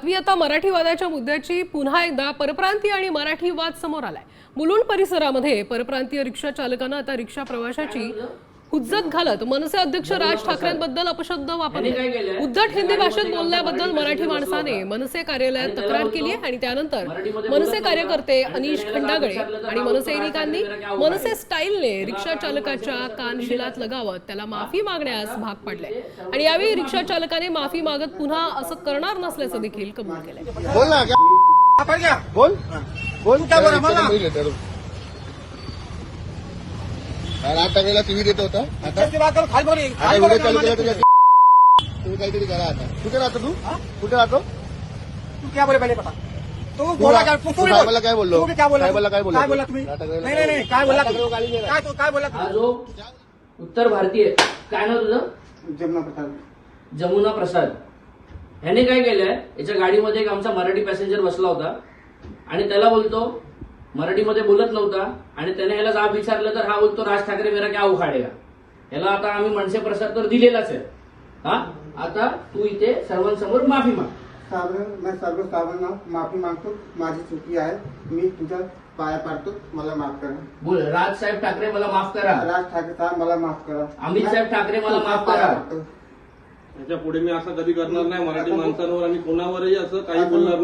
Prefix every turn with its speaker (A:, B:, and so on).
A: आता मराठीवादाच्या मुद्द्याची पुन्हा एकदा परप्रांतीय आणि मराठी वाद समोर आलाय। मुलुंड परिसरामध्ये परप्रांतीय रिक्षा चालकानं आता रिक्षा प्रवाशाची हुज्जत घालत मनसे अध्यक्ष राज ठाकरेंबद्दल अपशब्द वापरले। उद्धट हिंदी भाषेत बोलल्याबद्दल मराठी माणसाने मनसे कार्यालयात तक्रार केली आहे आणि त्यानंतर मनसे कार्यकर्ते अनिश खंडागळे आणि मनसैनिकांनी मनसे स्टाईलने रिक्षा चालकाच्या कानशिलात लगावत त्याला माफी मागण्यास भाग पाडले आणि यावेळी रिक्षा चालकाने माफी मागत पुन्हा असं करणार नसल्याचं देखील कबूल केलंय।
B: बोल ना क्या बोल बोल क्या बोला मला राज ठाकरेला टीव्ही देत होता आता तुम्ही काहीतरी करा आता। कुठे राहतो तू कुठे राहतो
C: तू क्या बोले पहले बता। तू बोला क्या
B: मला काय बोललो
C: क्या बोला
B: काय
C: बोला तुम्ही नाही काय बोला काय बोला
D: हा जो उत्तर भारतीय काय नाव तुझं जमुना प्रसाद ह्याने काय केलंय याच्या गाडीमध्ये एक आमचा मराठी पॅसेंजर बसला होता आणि त्याला बोलतो मराठीमध्ये बोलत नव्हता आणि त्याने ह्याला जाब विचारलं तर हा बोलतो राज ठाकरे मेरा क्या उखाडेगा। ह्याला आता आम्ही मनसे प्रसाद तर दिलेलाच आहे। हा आता तू इथे सर्वांसमोर माफी माग।
C: मैं सर्व साहेबांना माफी मागतो, माझी चुकी आहे, मी तुझ्या पाया पाडतो, मला माफ करा।
D: बोल राज साहेब ठाकरे मला माफ करा।
C: राज ठाकरे साहेब मला माफ करा।
D: अमित साहेब ठाकरे मला माफ करा।
E: याच्या पुढे मी असं कधी करणार नाही मराठी माणसांवर आणि कोणावरही असं काही बोलणार नाही।